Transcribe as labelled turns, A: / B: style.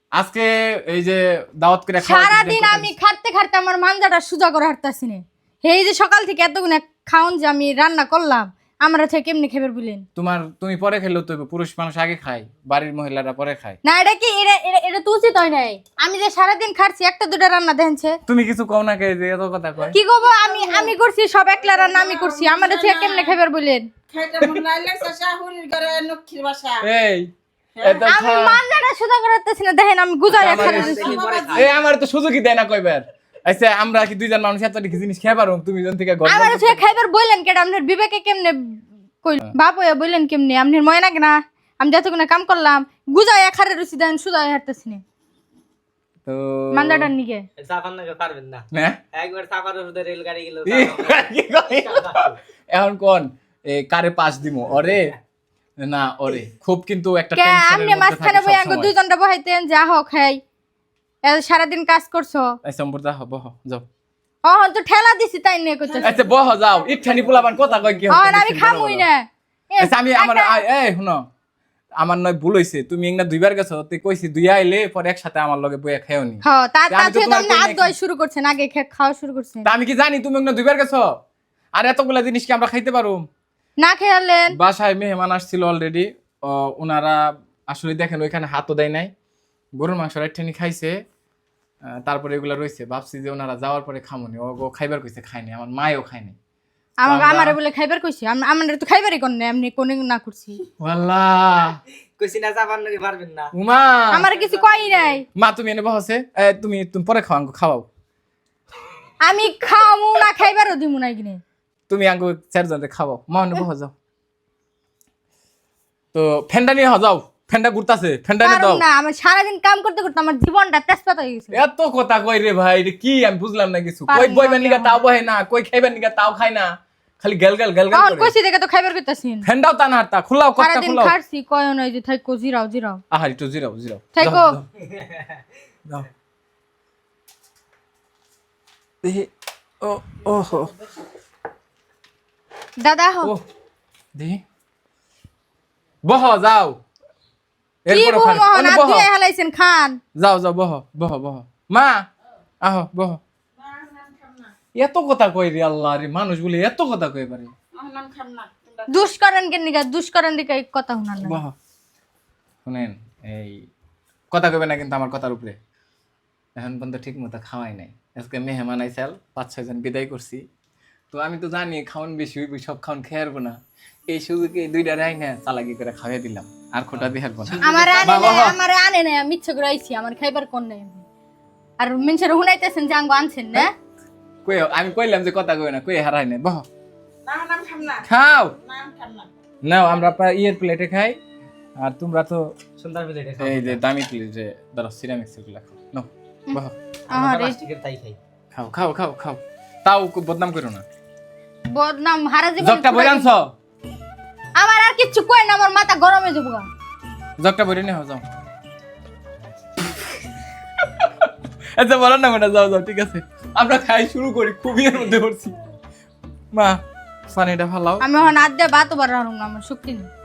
A: আজকে এই যে দাওয়াত করে
B: সারা দিন আমি খাটতে খাটতে আমার মানজাটা সুজা করে হাঁটতাছি না। এই যে সকাল থেকে এতগুলো খাওন যে আমি রান্না করলাম, আমরা থেকে কেমনি খাবার বলেন?
A: তুমি পরে খেলেও তো পুরুষ মানুষ আগে খায়, বাড়ির মহিলারা পরে খায়।
B: না এটা কি এটা তো উচিত হয় নাই। আমি যে সারা দিন খাচ্ছি একটা দুটা রান্না দেখছে।
A: তুমি কিছু কও না কে যে এত কথা কয়?
B: কি কব? আমি করছি সব একলা রান্না আমি করছি, আমাদের থেকে কেমনে খাবার বলেন?
C: খাইতে মন নাই লাগছে শাহুরির ঘরে লক্ষ্মীর বাসা।
A: এই এত
B: আমি মানজাটা সুজা করে হাঁটতাছি না, দেখেন আমি গুজায় খাচ্ছি।
A: এই আমার তো সুযোগই দেয় না কয়বার। আচ্ছা আমরা কি দুইজন মানুষ এত কি জিনিস খেয়ে পারো? তুমি জন থেকে গল্প
B: আমার থেকে খাইবার বললেন কেডা? আপনার বিবেকে কেমনে কই বাপ হইয়া বললেন কেমনে? আপনার ময় না কেনা? আমি যতক্ষণ কাম করলাম গুজায় খারে রুচি দেন সুজা হাঁটতাছি না।
A: তো
B: মানজাটার নিকে
D: চাপান না পারবেন না,
A: না
D: একবার চাপার উপরে রেলগাড়ি গেল।
A: এখন কোন কারে পাস দিমু ওরে না ওরে? খুব কিন্তু একটা
B: কে
A: টেনশনের
B: আমনে
A: মধ্যে
B: মাঝখানে
A: থাকি
B: বই আঙ্গ
A: সবসময়।
B: দুইজনটা বহাইতেন যা হোক খাই। সারা দিন কাজ করছো।
A: আচ্ছা সম্পর্দা বহ যাও।
B: তো ঠেলা দিছি তাই নিয়ে কইতে।
A: আচ্ছা বহ যাও, ইচ্ছানি পোলাবান কথা কই কি হচ্ছে?
B: আমি খামুই না।
A: আচ্ছা আমি আমার এই শুনো, আমার নয় ভুল হইছে, তুমি একনা দুইবার গেছো, তুই কইছি দুই আইলে পরে একসাথে আমার লগে বইয়া খাওনি।
B: হ্যাঁ তার
A: আমি তো
B: থেকে তো
A: তোমার
B: আপনি
A: কই
B: হাত
A: নাই।
B: ধোয়া শুরু করছেন, আগে খাওয়া শুরু করছেন।
A: তা আমি কি জানি তুমি একনা দুইবার গেছো? আর এতগুলা জিনিস কি আমরা খাইতে পারো?
B: না খেয়ালেন
A: বাসায় মেহমান আসছিল অলরেডি, ওনারা আসলে দেখেন ওইখানে হাতও দেয় নাই, গরুর মাংস রাইঠানি খাইছে, তারপরে এগুলা রয়েছে, ভাবছি যে ওনারা যাওয়ার পরে খামনি, ও খাইবার কইছে খাইনি, আমার মায়ও খায়নি।
B: আমারে বলে খাইবার কইছি, আমারে তো খাইবারই কোন এমনি কোন না করছি।
A: ওয়াল্লাহ
D: কইছি না চাপান নাকি পারবেন না।
A: উমা
B: আমারে কিছু কই নাই।
A: মা তুমি এনে বসে, তুমি তুমি পরে খাও, আঙ্গু খাওয়াও।
B: আমি খামু না খাইবারও দিমু না কিনে।
A: তুমি আঙ্গু চারজনে খাওয়াও, মা এনে বহ যাও। তো ফেন্ডা নিয়ে যাও, ফেন্ডা ঘুরতাছে, ফেন্ডা নিয়ে দাও।
B: পারুম না, আমি সারাদিন কাম করতে করতে আমার জীবনটা তেজপাতা হয়ে গেছে।
A: এত কথা কই রে ভাই, রে কি আমি বুঝলাম না কিছু।
B: পারুম
A: কই
B: না
A: বইবেন নিগা
B: আমি
A: তাও বহে না, কই খাইবেন নিগা তাও খায় না, খালি গেল গেল গেল গেল
B: এখন
A: করে।
B: কইছি দেখে তো খাইবার কইতাছিন।
A: ফেন্ডাও তা না হারতা, খুলাও কথা
B: সারাদিন
A: খুলাও।
B: খাচ্ছি কয় নয় যে থাইকো জিরাও জিরাও
A: আহার একটু জিরাও জিরাও
B: থাইকো।
A: দাও দেখি। ও ওহো
B: দাদা হো
A: ও দেখি বহ যাও।
B: কি
A: এরপর
B: বউ মোহন
A: বহ
B: আজকে হেলাইছেন খান।
A: যাও যাও বহ বহ বহ মা আহো বহ। এত কথা কই রে আল্লাহ রে, মানুষ বলে এত কথা কই পারে।
C: আহলান খাম না তোমরা।
B: দুষ করেন কেন নিগা? দুষ করেন দিকে এই কথা শুনান না।
A: বহ শুনেন, এই কথা কইবে না কিন্তু আমার কথার উপরে। এখন পর্যন্ত ঠিক মতো খাওয়াই নাই। আজকে মেহমান আইসাল 5-6 জন বিদায় করছি, তো আমি তো জানি খাওয়ান বেশি হইব, সব খাওয়ান খেয়ে আসবো না। এই সুযোগে দুইটা রাই না চালাকি করে খাওয়াই দিলাম, আর খোটা দিয়ে হারবো না।
B: আমারে আনে না, মিথ্যা করে আইছি, আমার খাইবার কোন নাই। আর মানুষের হুনাইতেছেন যে আঙ্গ আনছেন না।
A: কই আমি কইলাম যে কথা কই না, কই হারাই না। বহ
C: না নাম খাম না।
A: খাও,
C: নাম খাম না।
A: নাও আমরা ইয়ের প্লেটে খাই, আর তোমরা তো
D: সুন্দর প্লেটে
A: এই যে দামি প্লেটে ধরো সিরামিক্স এগুলা খাও। নাও বহ
B: আরে
D: প্লাস্টিকের তাই খাই।
A: খাও খাও খাও খাও, তাও বদনাম করো না।
B: বদনাম হারা জীবন।
A: জগটা বইরে আনছো?
B: আমার আর কিচ্ছু কই না, আমার মাথা গরম হয়ে যাবো।
A: জগটা বইরে নিয়ে যাও। আচ্ছা বলো না ম্যাডাম, যাও যাও, ঠিক আছে আমরা খাই শুরু করি, খুবই এর মধ্যে পড়ছি। মা পানিটা ফালাও।
B: আমি এখন আজ দিয়ে ভাতও বার না, আমার শক্তি নেই।